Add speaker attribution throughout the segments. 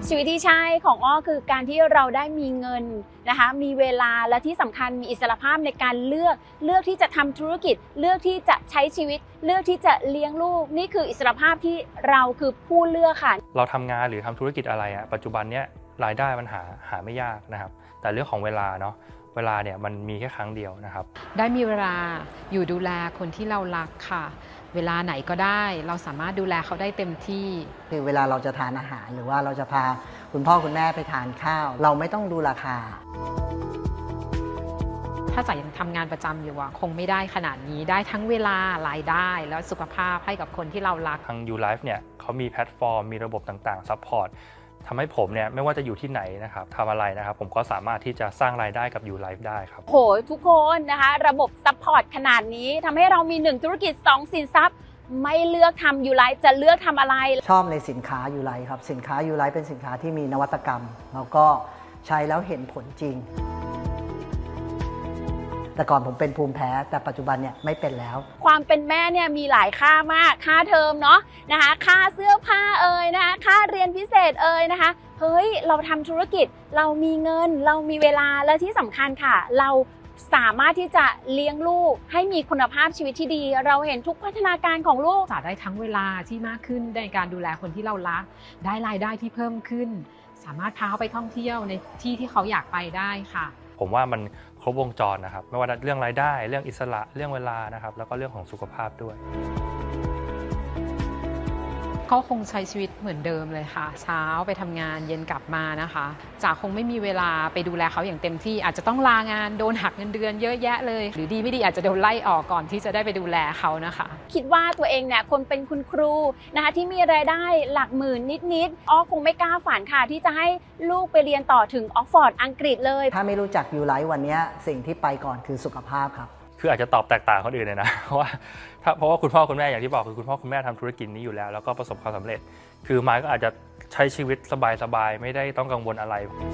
Speaker 1: ชีวิตที่ใช่ของอ้อคือการที่เราได้มีเงินนะคะมีเวลาและที่สำคัญมีอิสรภาพในการเลือกที่จะทำธุรกิจเลือกที่จะใช้ชีวิตเลือกที่จะเลี้ยงลูกนี่คืออิสรภาพที่เราคือผู้เลือกค่ะ
Speaker 2: เราทำงานหรือทำธุรกิจอะไรปัจจุบันเนี้ยรายได้มันหาไม่ยากนะครับแต่เรื่องของเวลาเนาะเวลาเนี่ยมันมีแค่ครั้งเดียวนะครับ
Speaker 3: ได้มีเวลาอยู่ดูแลคนที่เรารักค่ะเวลาไหนก็ได้เราสามารถดูแลเขาได้เต็มที่
Speaker 4: คือเวลาเราจะทานอาหารหรือว่าเราจะพาคุณพ่อคุณแม่ไปทานข้าวเราไม่ต้องดูราคา
Speaker 3: ถ้าจ๋ายังทำงานประจำอยู่คงไม่ได้ขนาดนี้ได้ทั้งเวลารายได้แล้วสุขภาพให้กับคนที่เรารัก
Speaker 2: ทาง YouLife เนี่ยเขามีแพลตฟอร์มมีระบบต่างๆซัพพอร์ตทำให้ผมเนี่ยไม่ว่าจะอยู่ที่ไหนนะครับทำอะไรนะครับผมก็สามารถที่จะสร้างรายได้กับ YouLife ได้ครับ
Speaker 1: โหทุกคนนะคะระบบซัพพอร์ตขนาดนี้ทำให้เรามี1ธุรกิจ2สินทรัพย์ไม่เลือกทำYouLifeจะเลือกทำอะไร
Speaker 4: ชอบในสินค้าYouLifeครับสินค้าYouLifeเป็นสินค้าที่มีนวัตกรรมแล้วก็ใช้แล้วเห็นผลจริงแต่ก่อนผมเป็นภูมิแพ้แต่ปัจจุบันเนี่ยไม่เป็นแล้ว
Speaker 1: ความเป็นแม่เนี่ยมีหลายค่ามากค่าเทอมเนาะนะคะค่าเสื้อผ้านะคะค่าเรียนพิเศษนะคะเฮ้ยเราทำธุรกิจเรามีเงินเรามีเวลาและที่สำคัญค่ะเราสามารถที่จะเลี้ยงลูกให้มีคุณภาพชีวิตที่ดีเราเห็นทุกพัฒนาการของลูก
Speaker 3: จะได้ทั้งเวลาที่มากขึ้นในการดูแลคนที่เรารักได้รายได้ที่เพิ่มขึ้นสามารถพาเขาไปท่องเที่ยวในที่เขาอยากไปได้ค่ะ
Speaker 2: ผมว่ามันครบวงจรนะครับไม่ว่าเรื่องรายได้เรื่องอิสระเรื่องเวลานะครับแล้วก็เรื่องของสุขภาพด้วย
Speaker 3: ก็คงใช้ชีวิตเหมือนเดิมเลยค่ะเช้าไปทำงานเย็นกลับมานะคะจ๋าคงไม่มีเวลาไปดูแลเขาอย่างเต็มที่อาจจะต้องลางานโดนหักเงินเดือนเยอะแยะเลยหรือดีไม่ดีอาจจะโดนไล่ออกก่อนที่จะได้ไปดูแลเขานะคะ
Speaker 1: คิดว่าตัวเองเนี่ยคนเป็นคุณครูนะคะที่มีรายได้หลักหมื่นนิดอ้อคงไม่กล้าฝันค่ะที่จะให้ลูกไปเรียนต่อถึงออกฟอร์ดอังกฤษเลย
Speaker 4: ถ้าไม่รู้จักYouLifeวันนี้สิ่งที่ไปก่อนคือสุขภาพครับ
Speaker 2: คืออาจจะตอบแตกต่างคนอื่นเลยนะเพราะว่าคุณพ่อคุณแม่อย่างที่บอกคือคุณพ่อคุณแม่ทำธุรกิจนี้อยู่แล้วก็ประสบความสำเร็จคือมายก็อาจจะใช้ชีวิตสบายๆไม่ได้ต้องกังวลอะไร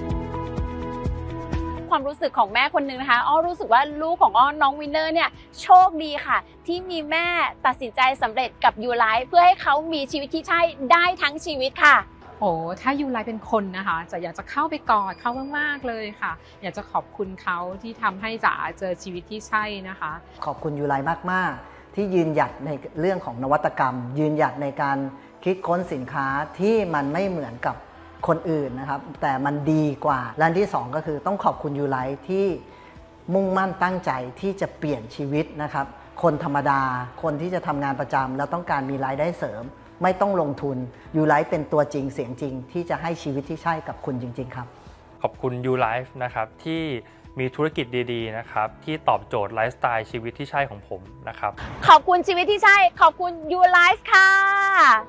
Speaker 1: ความรู้สึกของแม่คนนึงนะคะอ้อรู้สึกว่าลูกของอ้อน้องวินเนอร์เนี่ยโชคดีค่ะที่มีแม่ตัดสินใจสำเร็จกับ YouLife เพื่อให้เขามีชีวิตที่ใช่ได้ทั้งชีวิตค่ะ
Speaker 3: โอ้ถ้าYouLifeเป็นคนนะคะจะอยากจะเข้าไปกอดเขามากๆเลยค่ะอยากจะขอบคุณเขาที่ทำให้จ๋าเจอชีวิตที่ใช่นะคะ
Speaker 4: ขอบคุณYouLifeมากๆที่ยืนหยัดในเรื่องของนวัตกรรมยืนหยัดในการคิดค้นสินค้าที่มันไม่เหมือนกับคนอื่นนะครับแต่มันดีกว่าและที่สองก็คือต้องขอบคุณYouLifeที่มุ่งมั่นตั้งใจที่จะเปลี่ยนชีวิตนะครับคนธรรมดาคนที่จะทำงานประจำแล้วต้องการมีรายได้เสริมไม่ต้องลงทุนYouLifeเป็นตัวจริงเสียงจริงที่จะให้ชีวิตที่ใช่กับคุณจริงๆครับ
Speaker 2: ขอบคุณ YouLife นะครับที่มีธุรกิจดีๆนะครับที่ตอบโจทย์ไลฟ์สไตล์ชีวิตที่ใช่ของผมนะครับ
Speaker 1: ขอบคุณชีวิตที่ใช่ขอบคุณ YouLife ค่ะ